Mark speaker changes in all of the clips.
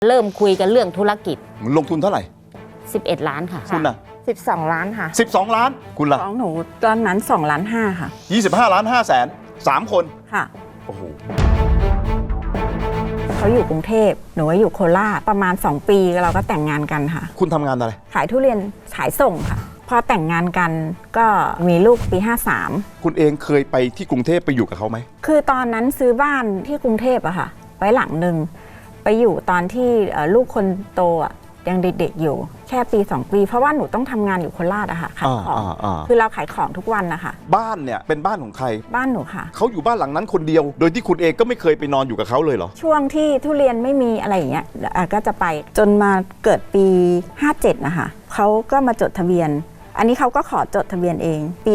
Speaker 1: เริ่มคุยกันเรื่องธุรกิจ
Speaker 2: ลงทุนเท่าไหร่
Speaker 1: 11 ล้านค่ะ
Speaker 2: คุณน่ะ
Speaker 3: 12 ล้านค่ะ
Speaker 2: 12 ล้านคุณล่ะ
Speaker 3: ของหนูตอนนั้น2 ล้าน 5ค่ะ
Speaker 2: 25 ล้าน 5 แสน3 คน
Speaker 3: ค่ะ
Speaker 2: โอ้โห
Speaker 3: เขาอยู่กรุงเทพหนูอยู่โคราชประมาณ2 ปีเราก็แต่งงานกันค่ะ
Speaker 2: คุณทำงานอะไร
Speaker 3: ขายทุเรียนขายส่งค่ะพอแต่งงานกันก็มีลูกปี53
Speaker 2: คุณเองเคยไปที่กรุงเทพไปอยู่กับเขาไหม
Speaker 3: คือตอนนั้นซื้อบ้านที่กรุงเทพอะค่ะไว้หลังหนึ่งไปอยู่ตอนที่ลูกคนโตอะยังเด็กๆอยู่แค่ปี2 ปีเพราะว่าหนูต้องทำงานอยู่โคราชอะค่ะขายของคือเราขายของทุกวันนะคะ
Speaker 2: บ้านเนี่ยเป็นบ้านของใคร
Speaker 3: บ้านหนูค่ะ
Speaker 2: เขาอยู่บ้านหลังนั้นคนเดียวโดยที่คุณเองก็ไม่เคยไปนอนอยู่กับเขาเลยเหรอ
Speaker 3: ช่วงที่ทุเรียนไม่มีอะไรอย่างเงี้ยก็จะไปจนมาเกิดปี57นะคะเขาก็มาจดทะเบียนอันนี้เขาก็ขอจดทะเบียนเองปี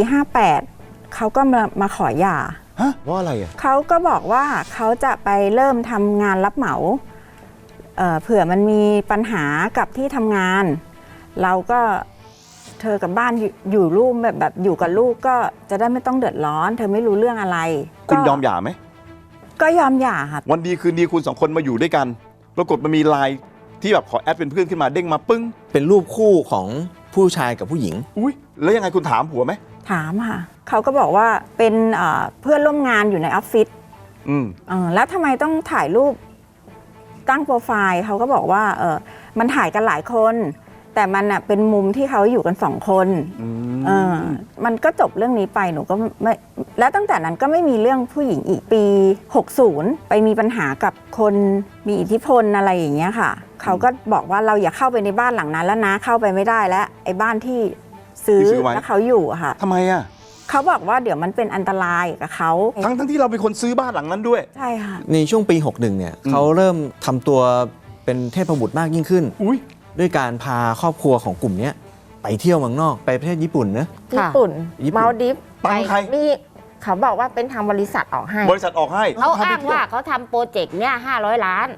Speaker 3: 58เขาก็มาขอหย่า
Speaker 2: ฮะว่าอะไรอ่ะ
Speaker 3: เขาก็บอกว่าเขาจะไปเริ่มทำงานรับเหมาเผื่อมันมีปัญหากับที่ทำงานเราก็เธอกับบ้านอยู่รูปแบบอยู่กับลูกก็จะได้ไม่ต้องเดือดร้อนเธอไม่รู้เรื่องอะไร
Speaker 2: คุณยอมหย่าไหม
Speaker 3: ก็ยอมหย่าค่ะ
Speaker 2: วันดีคืนดีคุณ2 คนมาอยู่ด้วยกันปรากฏมันมีไลน์ที่แบบขอแอดเป็นเพื่อนขึ้นมาเด้งมาปึ้ง
Speaker 4: เป็นรูปคู่ของผู้ชายกับผู้หญิง
Speaker 2: อุ้ยแล้วยังไงคุณถามผัวไหม
Speaker 3: ถามค่ะเขาก็บอกว่าเป็นเพื่อนร่วมงานอยู่ในออฟฟิศแล้วทำไมต้องถ่ายรูปตั้งโปรไฟล์เขาก็บอกว่ามันถ่ายกันหลายคนแต่มันเป็นมุมที่เขาอยู่กัน2 คนมันก็จบเรื่องนี้ไปหนูก็ไม่แล้วตั้งแต่นั้นก็ไม่มีเรื่องผู้หญิงอีกปี60ไปมีปัญหากับคนมีอิทธิพลอะไรอย่างเงี้ยค่ะเขาก็บอกว่าเราอย่าเข้าไปในบ้านหลังนั้นแล้วนะเข้าไปไม่ได้แล้วไอ้บ้านที่ซื้อแล้วเขาอยู่อะค่ะ
Speaker 2: ทำไมอะ
Speaker 3: เขาบอกว่าเดี๋ยวมันเป็นอันตรายกับเขา
Speaker 2: ทั้งที่เราเป็นคนซื้อบ้านหลังนั้นด้วย
Speaker 3: ใช่ค่ะ
Speaker 4: ในช่วงปี61เนี่ยเขาเริ่มทำตัวเป็นเทพบุตรมากยิ่งขึ้นด้วยการพาครอบครัวของกลุ่มนี้ไปเที่ยวเมืองนอกไปประเทศญี่ปุ่นนะ
Speaker 3: ญี่ปุ่นมาลดิฟ
Speaker 2: ตังใคร
Speaker 3: มีเขาบอกว่าเป็นทางบริษัทออกให้
Speaker 2: บริษัทออกให้
Speaker 1: เขาอ้างว่าเขาทำโปรเจกต์เนี้ย500 ล้าน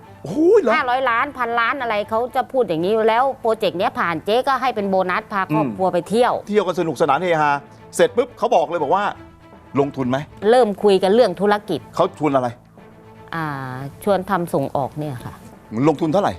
Speaker 1: 500 ล้าน1,000 ล้านอะไรเขาจะพูดอย่างนี้แล้วโปรเจกต์เนี้ยผ่านเจ๊ก็ให้เป็นโบนัสพาครอบครัวไปเที่ยว
Speaker 2: กันสนุกสนานเฮฮาเสร็จปุ๊บเขาบอกเลยบอกว่าลงทุนไหม
Speaker 1: เริ่มคุยกันเรื่องธุรกิจ
Speaker 2: เขาชวนอะไร
Speaker 1: ชวนทำส่งออกเนี่ยค่ะ
Speaker 2: ลงทุนเท่าไหร่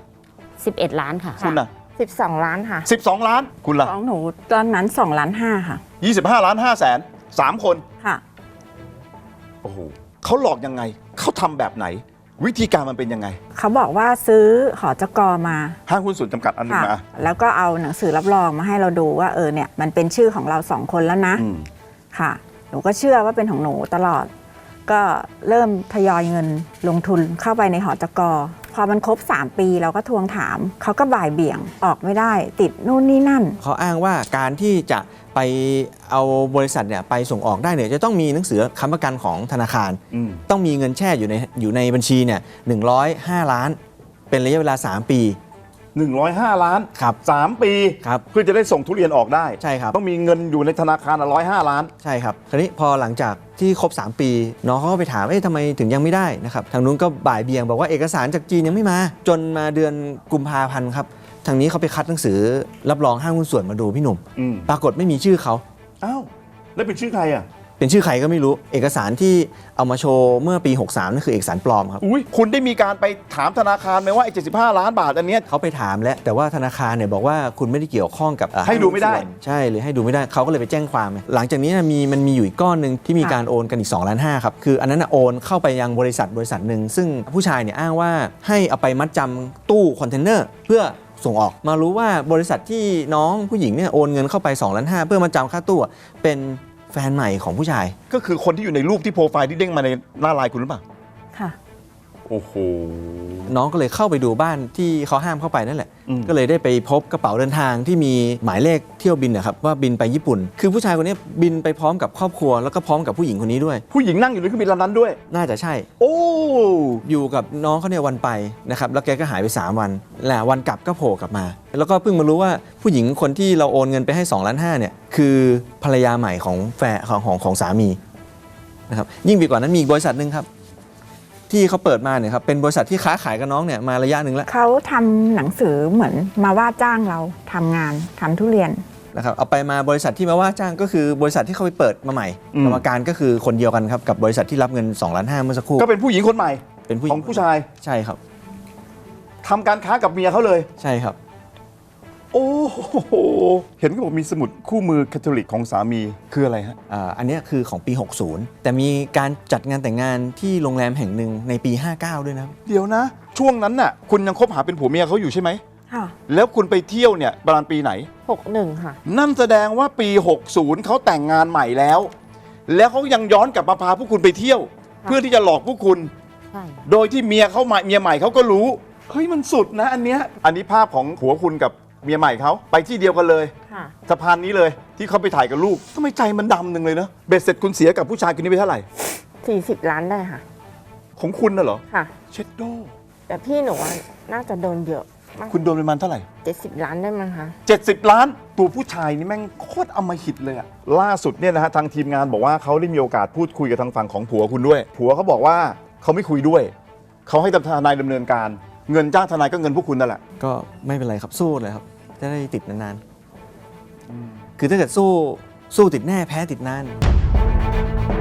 Speaker 1: 11 ล้านค่ะ
Speaker 2: คุณน่ะ
Speaker 3: 12 ล้านค่ะ
Speaker 2: 12 ล้านคุณล่ะ
Speaker 3: ของหนูตอนนั้น2 ล้าน 5ค่ะ
Speaker 2: 25 ล้าน 5 แสน3 คน
Speaker 3: ค่ะ
Speaker 2: โอ้โหเขาหลอกยังไงเขาทำแบบไหนวิธีการมันเป็นยังไง
Speaker 3: เขาบอกว่าซื้อหจก.มา
Speaker 2: ห้างหุ้นส่วนจำกัดอันนึงมา
Speaker 3: แล้วก็เอาหนังสือรับรองมาให้เราดูว่าเนี่ยมันเป็นชื่อของเรา2 คนแล้วนะค่ะหนูก็เชื่อว่าเป็นของหนูตลอดก็เริ่มทยอยเงินลงทุนเข้าไปในหจก.พอมันครบ3 ปีเราก็ทวงถามเขาก็บ่ายเบี่ยงออกไม่ได้ติดนู่นนี่นั่น
Speaker 4: เขาอ้างว่าการที่จะไปเอาบริษัทเนี่ยไปส่งออกได้เนี่ยจะต้องมีหนังสือค้ำประกันของธนาคารต้องมีเงินแช่อยู่ในบัญชีเนี่ย105 ล้านเป็นระยะเวลา3 ปี
Speaker 2: 105 ล้าน
Speaker 4: ครับ
Speaker 2: 3 ปี
Speaker 4: ครับ
Speaker 2: เพื่อจะได้ส่งทุเรียนออกได้
Speaker 4: ใช่ครับ
Speaker 2: ต้องมีเงินอยู่ในธนาคาร105 ล้าน
Speaker 4: ใช่ครับคราวนี้พอหลังจากที่ครบ3 ปีน้องเขาก็ไปถามทำไมถึงยังไม่ได้นะครับทางนู้นก็บ่ายเบี่ยงบอกว่าเอกสารจากจีนยังไม่มาจนมาเดือนกุมภาพันธ์ครับทางนี้เขาไปคัดหนังสือรับรองห้างหุ้นส่วนมาดูพี่หนุ่มปรากฏไม่มีชื่อเขา
Speaker 2: อ้าวแล้วเป็นชื่อใครอ่ะ
Speaker 4: เป็นชื่อใครก็ไม่รู้เอกสารที่เอามาโชว์เมื่อปี63นั่นคือเอกสารปลอมครับ
Speaker 2: คุณได้มีการไปถามธนาคารไหมว่าไอ้75 ล้านบาทอันนี้
Speaker 4: เขาไปถามแล้วแต่ว่าธนาคารเนี่ยบอกว่าคุณไม่ได้เกี่ยวข้องกับ
Speaker 2: ให้ดูไม่ได้
Speaker 4: ใช่หรือให้ดูไม่ได้เขาก็เลยไปแจ้งความหลังจากนี้มันมีอยู่อีกก้อนหนึ่งที่มีการโอนกันอีก2.5 ล้านครับคืออันนั้นโอนเข้าไปยังบริษัทหนึ่งซึ่งผู้ชายเนี่ยอ้างว่าให้เอาไปมัดจำตู้คอนเทนเนอร์เพื่อส่งออกมารู้ว่าบริษัทที่น้องผู้หญิงเนี่ยโอนเงินเข้าไป2.5 ล้านเพื่อมาจำค่าตู้เป็นแฟนใหม่ของผู้ชาย
Speaker 2: ก็คือคนที่อยู่ในรูปที่โปรไฟล์ที่เด้งมาในหน้าไลน์คุณหรือเปล่า
Speaker 3: ค่ะ
Speaker 2: โอ้โห
Speaker 4: น้องก็เลยเข้าไปดูบ้านที่เขาห้ามเข้าไปนั่นแหละก็เลยได้ไปพบกระเป๋าเดินทางที่มีหมายเลขเที่ยวบินนะครับว่าบินไปญี่ปุ่นคือผู้ชายคนนี้บินไปพร้อมกับครอบครัวแล้วก็พร้อมกับผู้หญิงคนนี้ด้วย
Speaker 2: ผู้หญิงนั่งอยู่ในเครื่องบินลำนั้นด้วย
Speaker 4: น่าจะใช่
Speaker 2: โอ้
Speaker 4: อยู่กับน้องเขาเนี่ยวันไปนะครับแล้วแกก็หายไป3 วันแหละวันกลับก็โผล่กลับมาแล้วก็เพิ่งมารู้ว่าผู้หญิงคนที่เราโอนเงินไปให้2.5 ล้านเนี่ยคือภรรยาใหม่ของแฟนของสามีนะครับยิ่งไปกว่านั้นมีบริษัทนึงครับที่เขาเปิดมาเนี่ยครับเป็นบริษัทที่ค้าขายกับน้องเนี่ยมาระยะหนึ่งแล้ว
Speaker 3: เขาทำหนังสือเหมือนมาว่าจ้างเราทำงานทำทุเรียน
Speaker 4: นะครับเอาไปมาบริษัทที่มาว่าจ้างก็คือบริษัทที่เขาไปเปิดมาใหม่กรรมการก็คือคนเดียวกันครับกับบริษัทที่รับเงิน2.5 ล้านเมื่อสักครู่
Speaker 2: ก็เป็นผู้หญิงคนใหม่
Speaker 4: เป็นผู้หญิงของ
Speaker 2: ผู้ชาย
Speaker 4: ใช่ครับ
Speaker 2: ทำการค้ากับเมียเขาเลย
Speaker 4: ใช่ครับ
Speaker 2: โอ้โหเห็นเขาบอกมีสมุดคู่มือคาทอลิกของสามีคืออะไรฮะ
Speaker 4: อันเนี้ยคือของปี 60 แต่มีการจัดงานแต่งงานที่โรงแรมแห่งหนึ่งในปี 59 ด้วยนะครับ
Speaker 2: เดี๋ยวนะ ช่วงนั้นน่ะคุณยังคบหาเป็นผัวเมียเขาอยู่ใช่ไหม
Speaker 3: ค่ะ
Speaker 2: แล้วคุณไปเที่ยวเนี่ยประมาณปีไหน
Speaker 3: 61 ค่ะ
Speaker 2: นั่นแสดงว่าปี 60เขาแต่งงานใหม่แล้ว แล้วเขายังย้อนกลับมาพาพวกคุณไปเที่ยว เพื่อที่จะหลอกพวกคุณ
Speaker 1: ใช่
Speaker 2: โดยที่เมียใหม่เขาก็รู้เฮ้ยมันสุดนะอันเนี้ยอันนี้ภาพของผัวคุณกับเมียใหม่เขาไปที่เดียวกันเลย
Speaker 3: ค่ะ
Speaker 2: สะพานนี้เลยที่เขาไปถ่ายกับลูกทำไมใจมันดำหนึ่งเลยเนอะเบ็ดเสร็จคุณเสียกับผู้ชายคนนี้ไปเท่าไหร่
Speaker 3: 40 ล้านได้ค่ะ
Speaker 2: ของคุณน่ะเหรอ
Speaker 3: ค่ะ
Speaker 2: เช็ดโด
Speaker 3: แต่พี่หนูอะน่าจะโดนเยอะมาก
Speaker 2: คุณโดนประมาณเท่าไหร่
Speaker 3: 70 ล้านได้มั้งคะ
Speaker 2: 70 ล้านตัวผู้ชายนี่แม่งโคตรอำมหิตเลยอะล่าสุดเนี่ยนะฮะทางทีมงานบอกว่าเขาได้มีโอกาสพูดคุยกับทางฝั่งของผัวคุณด้วย ผัวเขาบอกว่าเขาไม่คุยด้วยเขาให้ทนายดำเนินการเงินจ้างทนายก็เงินพวกคุณนั่นแหละ
Speaker 4: ก็ไม่เป็นไรครับสู้เลยครับ จะได้ติดนานๆคือถ้าเกิดสู้ติดแน่แพ้ติดนาน